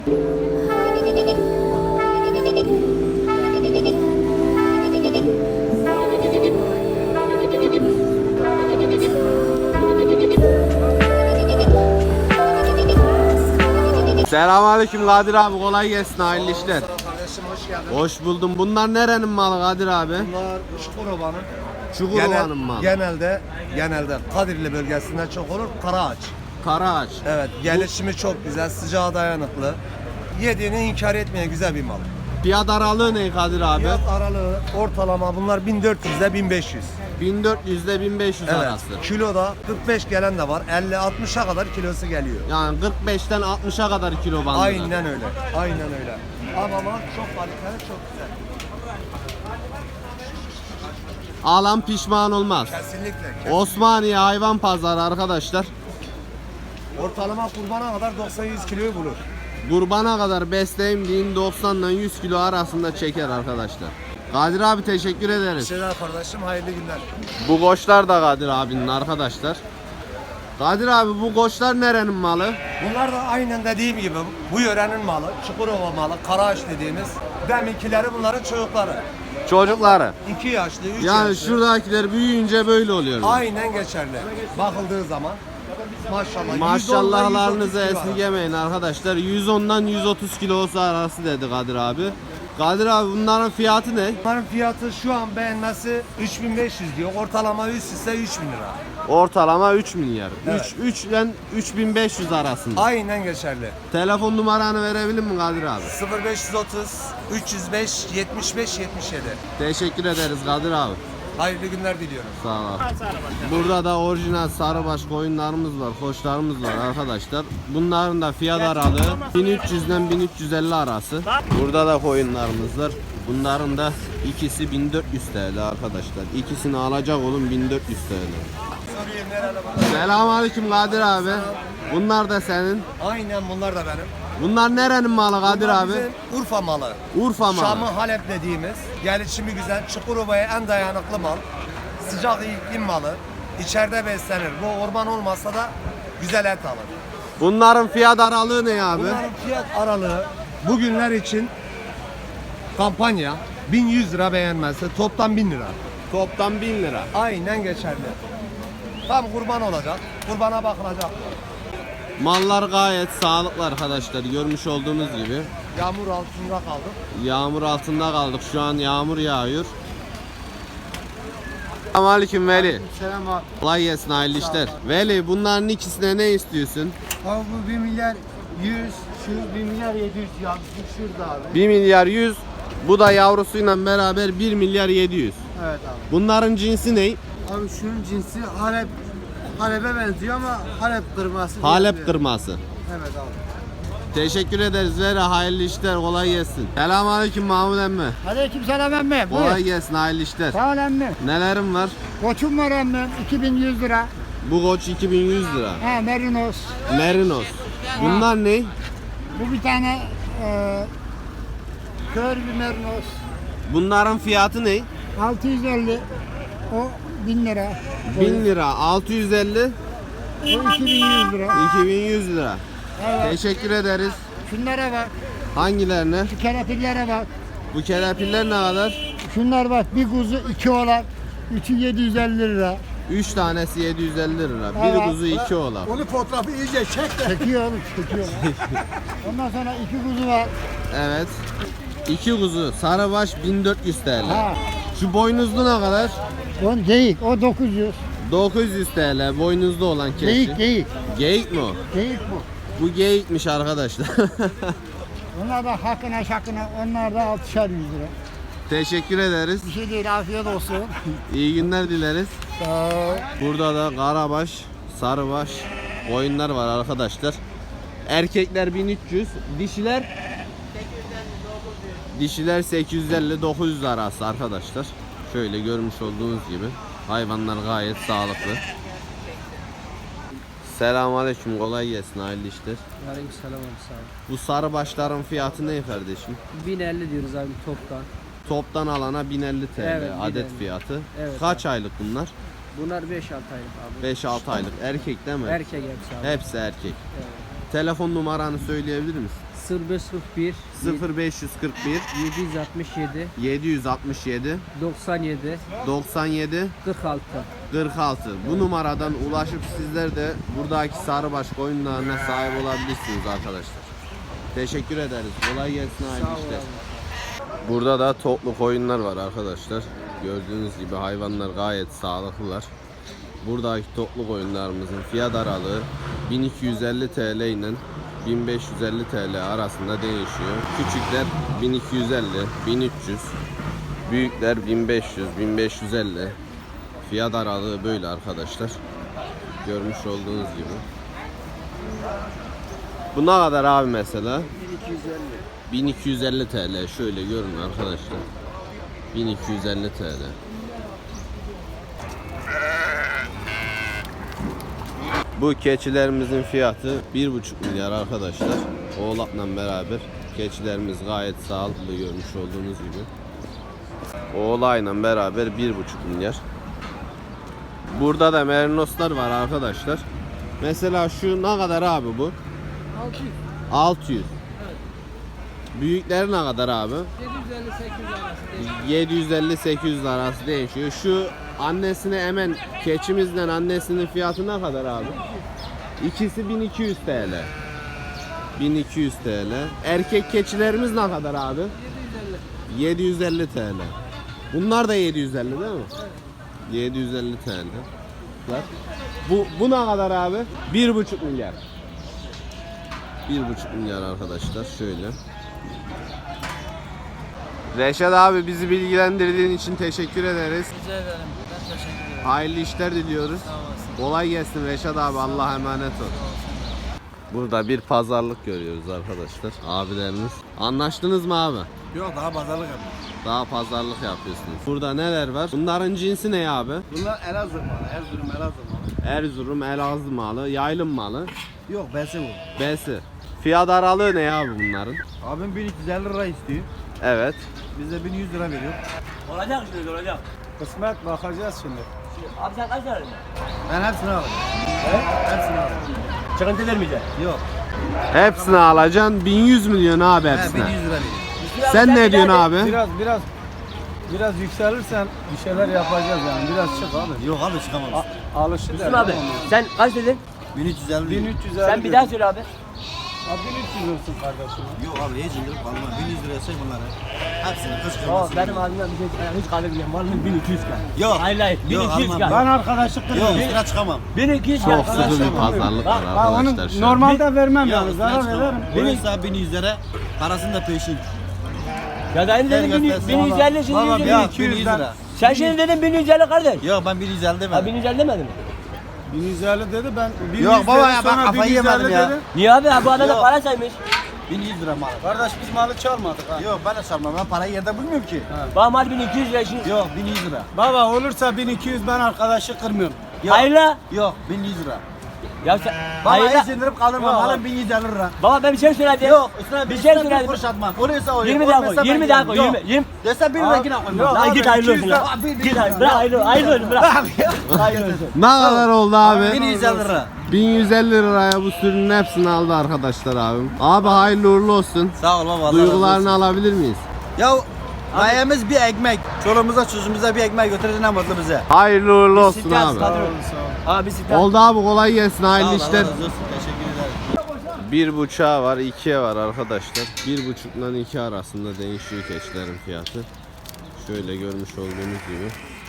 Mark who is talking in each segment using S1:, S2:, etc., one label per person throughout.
S1: Selamünaleyküm Kadir abi, kolay gelsin, hayırlı işler.
S2: Kardeşim hoş geldin.
S1: Hoş buldum. Bunlar nerenin malı Kadir abi?
S2: Bunlar Çukurova'nın.
S1: Çukurova'nın malı.
S2: Genelde Kadirli bölgesinden çok olur. Karaağaç.
S1: Karaağaç.
S2: Evet, gelişimi çok güzel, sıcağa dayanıklı. Yediğini inkar etmeyen güzel bir mal.
S1: Fiyat aralığı ne Kadir abi?
S2: Fiyat aralığı ortalama bunlar 1400 ile 1500.
S1: 1400 ile 1500
S2: Evet.
S1: arası.
S2: Kiloda 45 gelen de var. 50-60'a kadar kilosu geliyor.
S1: Yani 45'ten 60'a kadar kilo bandında.
S2: Aynen öyle. Aynen öyle. Ama mal çok kaliteli, çok güzel.
S1: Alan pişman olmaz.
S2: Kesinlikle.
S1: Osmaniye hayvan pazarı arkadaşlar.
S2: Ortalama kurbana kadar 90-100 kiloyu bulur.
S1: Kurbana kadar besleyim deyin 90 ile 100 kilo arasında çeker arkadaşlar. Kadir abi teşekkür ederiz.
S2: Şeyler kardeşim, hayırlı günler.
S1: Bu koçlar da Kadir abinin arkadaşlar. Kadir abi bu koçlar nerenin malı?
S2: Bunlar da aynen dediğim gibi bu yörenin malı, Çukurova malı, Karaağaç dediğimiz. Deminkileri bunların çocukları.
S1: Çocukları.
S2: 2 yaşlı, 3
S1: Yani
S2: yaşlı.
S1: şuradakiler büyüyünce böyle oluyor.
S2: Aynen geçerli. Bakıldığı zaman maşallah.
S1: Maşallahlarınızı
S2: 110 ile 130 kilo
S1: esirgemeyin arkadaşlar. 110'dan 130 kilosu arası dedi Kadir abi. Kadir abi bunların fiyatı ne?
S2: Bunların fiyatı şu an beğenmesi 3500 diyor. Ortalama üst ise 3000 lira.
S1: Ortalama 3 milyar.
S2: Evet.
S1: 3 ile 3500 arasında.
S2: Aynen geçerli.
S1: Telefon numaranı verebilir mi Kadir abi?
S2: 0530 305 75 77.
S1: Teşekkür ederiz Kadir abi.
S2: Hayırlı günler diliyorum.
S1: Sağ ol. Burada da orijinal sarıbaş koyunlarımız var, koçlarımız var arkadaşlar. Bunların da fiyat aralığı 1300'den 1350 arası. Burada da koyunlarımız var. Bunların da ikisi 1400 TL arkadaşlar. İkisini alacak olun 1400 TL.
S2: Sorayım nerede bunlar?
S1: Selamünaleyküm Kadir abi. Bunlar da senin.
S2: Aynen bunlar da benim.
S1: Bunlar nerenin malı Kadir
S2: Bunlar
S1: abi?
S2: bizim Urfa malı.
S1: Urfa malı.
S2: Şam'ı Halep dediğimiz, gelişimi güzel, Çukurova'ya en dayanıklı mal. Sıcak iklim malı. İçeride beslenir. Bu orman olmasa da güzel et alır.
S1: Bunların fiyat aralığı ne abi?
S2: Bunların fiyat aralığı bugünler için kampanya 1100 lira beğenmezse toplam 1000 lira.
S1: Toplam 1000 lira.
S2: Aynen geçerli. Tam kurban olacak. Kurbana bakılacak.
S1: Mallar gayet sağlıklı arkadaşlar. Görmüş olduğunuz gibi.
S2: Yağmur altında kaldık.
S1: Yağmur altında kaldık. Şu an yağmur yağıyor. Selamünaleyküm Veli.
S3: Selam abi.
S1: Kolay gelsin, hayırlı işler. Veli bunların ikisine ne istiyorsun?
S3: Abi bu 1 milyar 100, şu 1 milyar 700 ya. Bu şurada abi.
S1: 1 milyar 100. Bu da yavrusuyla beraber 1 milyar 700.
S3: Evet abi.
S1: Bunların cinsi ne?
S3: Abi şunun cinsi Halep'e benziyor ama Halep kırması.
S1: Halep
S3: diyebilirim.
S1: kırması.
S3: Evet abi.
S1: Teşekkür ederiz Veli. Hayırlı işler, kolay gelsin. Selamünaleyküm Mahmut emmi.
S4: Aleykümselam emmi.
S1: Kolay
S4: Buyur.
S1: gelsin, hayırlı işler.
S4: Sağ ol emmi.
S1: Nelerim var?
S4: Koçum var emmi. 2100 lira.
S1: Bu koç 2100 lira.
S4: He merinos.
S1: Merinos. Bunlar ne?
S4: Bu bir tane kör bir merinos.
S1: Bunların fiyatı ne?
S4: 650. O 1000 lira.
S1: 1000 lira, 650,
S4: O 2100 lira.
S1: 2100 lira.
S4: Evet.
S1: Teşekkür ederiz.
S4: Şunlara bak.
S1: Hangilerine?
S4: Şu kelepirlere bak.
S1: Bu kelepirler ne kadar?
S4: Şunlar bak. Bir kuzu 2 oğlak. 3'ü 750 lira.
S1: 3 tanesi 750 lira. Bir
S4: Evet.
S1: kuzu 2 oğlak.
S3: Onu fotoğrafı iyice çek de.
S4: Çekiyor oğlum. Çekiyor. Ondan sonra 2 kuzu var.
S1: Evet. 2 kuzu sarıbaş 1400 TL.
S4: Ha.
S1: Şu boynuzlu ne kadar?
S4: O geyik. O 900.
S1: 900 TL boynuzlu olan keçi.
S4: Geyik geyik.
S1: Geyik mi o?
S4: Geyik bu.
S1: Bu geyikmiş arkadaşlar.
S4: Onlar da hakkına şakına, onlar da 6'şer 100 lira.
S1: Teşekkür ederiz.
S4: Bir şey değil, afiyet olsun.
S1: İyi günler dileriz.
S4: Sağ ol.
S1: Burada da karabaş, sarıbaş koyunlar var arkadaşlar. Erkekler 1300, dişiler 850-900 arası arkadaşlar. Şöyle görmüş olduğunuz gibi hayvanlar gayet sağlıklı. Selamünaleyküm, kolay gelsin, hayırlı işler.
S5: Aleykümselam abi sağ ol.
S1: Bu sarıbaşların fiyatı ne kardeşim?
S5: 1050 diyoruz abi toptan.
S1: Toptan alana 1050 TL
S5: Evet,
S1: adet
S5: 1050.
S1: fiyatı.
S5: Evet
S1: Kaç aylık bunlar?
S5: Bunlar 5-6 aylık abi.
S1: 5-6 aylık. Erkek değil mi?
S5: Erkek hepsi abi.
S1: Hepsi erkek.
S5: Evet.
S1: Telefon numaranı söyleyebilir misin?
S5: 0541
S1: 0541
S5: 767
S1: 767
S5: 97
S1: 97
S5: 46.
S1: 46. Bu numaradan ulaşıp sizler de buradaki sarıbaş koyunlarına sahip olabilirsiniz arkadaşlar. Teşekkür ederiz. Kolay gelsin, hayırlı işler. Burada da toplu koyunlar var arkadaşlar. Gördüğünüz gibi hayvanlar gayet sağlıklılar. Buradaki toplu koyunlarımızın fiyat aralığı 1250 TL ile 1550 TL arasında değişiyor. Küçükler 1250, 1300, büyükler 1500, 1550. Fiyat aralığı böyle arkadaşlar. Görmüş olduğunuz gibi. Bu ne kadar abi mesela? 1250 TL. Şöyle görün arkadaşlar. 1250 TL. Bu keçilerimizin fiyatı 1,5 milyar arkadaşlar. Oğlakla beraber keçilerimiz gayet sağlıklı, görmüş olduğunuz gibi. Oğlayla beraber 1,5 milyar. Burada da merinoslar var arkadaşlar. Mesela şu ne kadar abi bu?
S5: 600.
S1: 600. Büyükleri ne kadar abi? 750-800 arası değişiyor. Şu annesine emen keçimizden annesinin fiyatı ne kadar abi? İkisi 1200 TL. 1200 TL. Erkek keçilerimiz ne kadar abi? 750 TL. Bunlar da 750 değil mi? Evet. 750 TL. Bu ne kadar abi? 1,5 milyar. 1,5 milyar arkadaşlar. Şöyle. Reşat abi, bizi bilgilendirdiğin için teşekkür ederiz.
S5: Rica ederim. Ben teşekkür ederim.
S1: Hayırlı işler diliyoruz.
S5: Sağ olasın.
S1: Kolay gelsin Reşat abi. Allah'a emanet ol. Burada bir pazarlık görüyoruz arkadaşlar. Abilerimiz. Anlaştınız mı abi?
S3: Yok, daha pazarlık yapıyor.
S1: Daha pazarlık yapıyorsunuz. Burada neler var? Bunların cinsi ne abi?
S3: Bunlar Elazığ malı, Erzurum Elazığ malı.
S1: Erzurum, Elazığ malı, yaylım malı,
S3: Yok, besi bu.
S1: besi. Fiyat aralığı ne abi bunların?
S3: Abim 1350 lira istiyor.
S1: Evet.
S3: Biz de 1100 lira veriyor.
S6: Olacak şimdi olacak.
S3: Kısmet, bakacağız şimdi.
S6: Abi sen kaç lira verdin?
S3: Ben hepsini alırım. Hepsini alırım.
S6: Çıkıntı vermeyeceksin.
S3: Yok.
S1: Hepsini alacaksın. 1100 milyon abi hepsine.
S3: 1100 lira veriyor.
S1: Sen ne diyorsun abi?
S3: Biraz yükselirsen bir şeyler yapacağız yani. Biraz çık abi. Yok abi, çıkamam. Alışır.
S6: Müslüm abi sen kaç dedin?
S3: 1350. 1350.
S6: Sen bir daha söyle abi.
S3: Abi 1300 olsun kardeşim. Yok abi, hiç indirip alma. 1100 liraya say bunları. Hepsini kız
S6: O
S3: kırmasın.
S6: benim ağzımdan bir şey hiç kahve bilmiyorum. Vallahi 1200 kar.
S3: Yok.
S6: Hayır hayır
S3: Yok,
S6: 1200
S3: almam.
S6: kar.
S3: arkadaşlık Yok, üstüne çıkamam.
S6: 1200 kar.
S1: Çok sıkı bir pazarlık var arkadaşlar şu an.
S3: Normalde vermem
S7: Ya
S3: yani, zarar veririm.
S7: Burası 1100 lira, parasını da peşin.
S6: Ya da dedin 1150 şimdi
S3: Baba,
S6: 150.
S3: ya,
S7: 1100 lira.
S6: Sen şimdi dedin 1150 kardeş.
S7: Yok ben 1150
S6: Ha
S7: demedim.
S6: 1150 demedin mi?
S3: 1150 dedi, ben 1100
S7: Yok baba ya,
S3: sonra
S7: ben kafayı
S3: 1150
S7: yemedim ya.
S3: dedi.
S6: Niye abi? Bu adam da
S7: Yok.
S6: para saymış.
S7: 1100 lira mal.
S3: Kardeş, biz malı çalmadık ha.
S7: Yok ben de sormam, ben parayı yerde bulmuyorum ki.
S6: Bana mal 1200 lira şimdi.
S7: Yok 1100 lira.
S3: Baba, olursa 1200, ben arkadaşı kırmıyorum.
S7: Yok.
S6: Hayır la.
S7: Yok 1100 lira.
S6: Ya sen
S7: Baba
S6: hayır la.
S7: hiç indirip kaldırma, malın 1150 lira.
S6: Baba ben bir şey söyledim.
S7: Yok üstüne
S6: bir
S7: bir
S6: şey
S7: şey
S6: söyledim.
S7: kuruş atmam. Oraysa o.
S6: 20 daha koy. 20 daha koy. 20.
S7: Dese 1 lira yine koymam.
S3: Yok.
S6: Lan git hayırlı olsun lan. Git hayırlı. Bırak hayırlı olsun bırak. Hayırlı olsun.
S1: Ne kadar oldu abi?
S7: 1150 lira.
S1: 1150 liraya bu sürünün hepsini aldı arkadaşlar abim. Abi hayırlı uğurlu olsun.
S7: Sağ ol baba. Allah razı
S1: Duygularını
S7: olsun.
S1: alabilir miyiz?
S7: Ya gayemiz bir ekmek. Çoluğumuza çocuğumuza bir ekmek götürür, ne mutlu bize.
S1: Hayırlı uğurlu olsun
S6: Siktir
S1: abi.
S6: Abi siktir.
S1: Oldu abi, kolay gelsin,
S7: Sağ ol,
S1: hayırlı
S7: Allah
S1: işler.
S7: razı olsun. Teşekkür ederim.
S1: Bir buçuğa var, ikiye var arkadaşlar. 1,5'dan 2 arasında değişiyor keçilerin fiyatı. Şöyle görmüş olduğunuz gibi.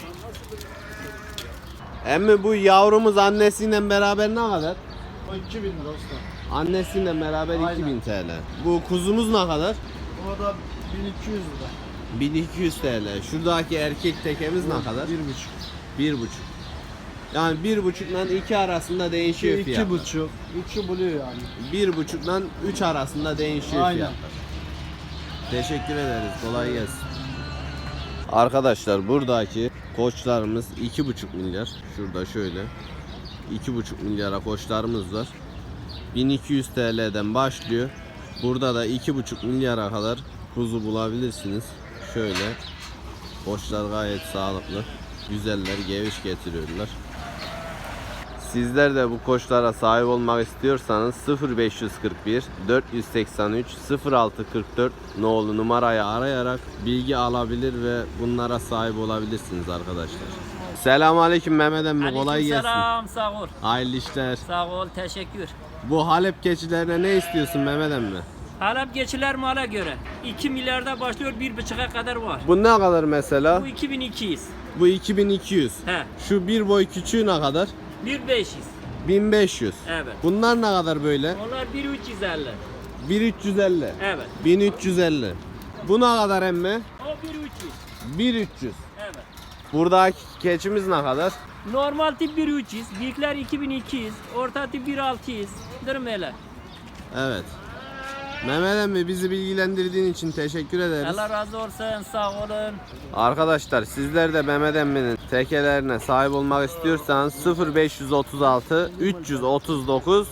S1: Emmi bu yavrumuz annesiyle beraber ne kadar?
S3: O 2000 lira usta.
S1: Annesiyle beraber 2000 TL. Bu kuzumuz ne kadar?
S3: O da 1200 lira.
S1: 1200 TL. Şuradaki erkek tekemiz ne kadar?
S3: 1,5.
S1: 1,5. Yani 1,5'dan 2 arasında değişiyor fiyatlar.
S3: 2,5. 3'ü buluyor yani.
S1: 1,5'dan 3 arasında değişiyor
S3: Aynen.
S1: fiyatlar. Teşekkür ederiz. Kolay gelsin. Arkadaşlar buradaki koçlarımız 2,5 milyar. Şurada şöyle 2,5 milyara koçlarımız var. 1200 TL'den başlıyor. Burada da 2,5 milyara kadar kuzu bulabilirsiniz. Şöyle koçlar gayet sağlıklı. Güzeller, geviş getiriyorlar. Sizler de bu koçlara sahip olmak istiyorsanız 0541 483 0644 nolu numarayı arayarak bilgi alabilir ve bunlara sahip olabilirsiniz arkadaşlar. Selamünaleyküm Mehmet emmi, kolay gelsin.
S6: Selam, sağ ol.
S1: Hayırlı işler.
S6: Sağ ol, teşekkür.
S1: Bu Halep keçilerine ne istiyorsun Mehmet emmi?
S6: Halep geçiler mala göre. 2 milyarda başlıyor, 1,5'a kadar var.
S1: Bu ne kadar mesela?
S6: Bu 2200.
S1: Bu 2200.
S6: He.
S1: Şu bir boy küçüğü ne kadar?
S6: 1500.
S1: 1500.
S6: Evet.
S1: Bunlar ne kadar böyle?
S6: Onlar 1350.
S1: 1350.
S6: Evet.
S1: 1350. Bu ne kadar emmi?
S6: O 1300.
S1: 1300.
S6: Evet.
S1: Buradaki keçimiz ne kadar?
S6: Normal tip 1300, büyükler 2200, orta tip 1600. Dırmele.
S1: Evet. Mehmet emmi, bizi bilgilendirdiğin için teşekkür ederiz.
S6: Allah razı olsun, sağ olun.
S1: Arkadaşlar sizler de Mehmet emminin tekelerine sahip olmak istiyorsanız 0536 339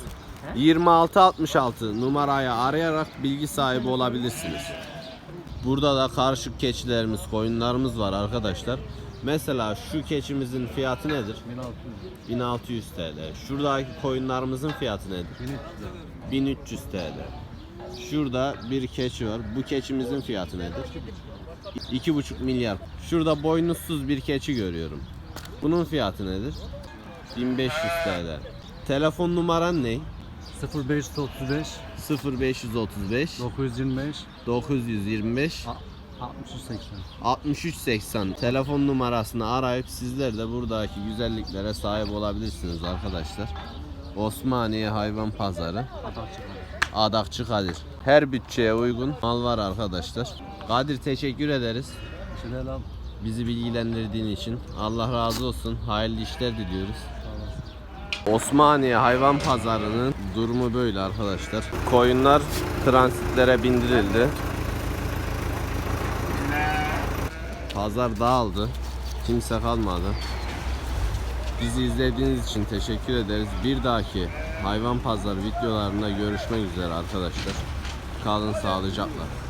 S1: 2666 numarayı arayarak bilgi sahibi olabilirsiniz. Burada da karışık keçilerimiz, koyunlarımız var arkadaşlar. Mesela şu keçimizin fiyatı nedir? 1600 TL. Şuradaki koyunlarımızın fiyatı nedir? 1300 TL. Şurada bir keçi var. Bu keçimizin fiyatı nedir? 2,5 milyar. Şurada boynuzsuz bir keçi görüyorum. Bunun fiyatı nedir? 1500 TL. Telefon numaran ne?
S3: 0535
S1: 0535
S3: 925
S1: 925
S3: 6380.
S1: 6380 telefon numarasını arayıp sizler de buradaki güzelliklere sahip olabilirsiniz arkadaşlar. Osmaniye Hayvan Pazarı, Adakçı Kadir. Her bütçeye uygun mal var arkadaşlar. Kadir, teşekkür ederiz
S3: Selam.
S1: bizi bilgilendirdiğin için. Allah razı olsun. Hayırlı işler diliyoruz. Osmaniye Hayvan Pazarı'nın durumu böyle arkadaşlar. Koyunlar transitlere bindirildi. Pazar dağıldı. Kimse kalmadı. Bizi izlediğiniz için teşekkür ederiz. Bir dahaki hayvan pazarı videolarında görüşmek üzere arkadaşlar. Kalın sağlıcakla.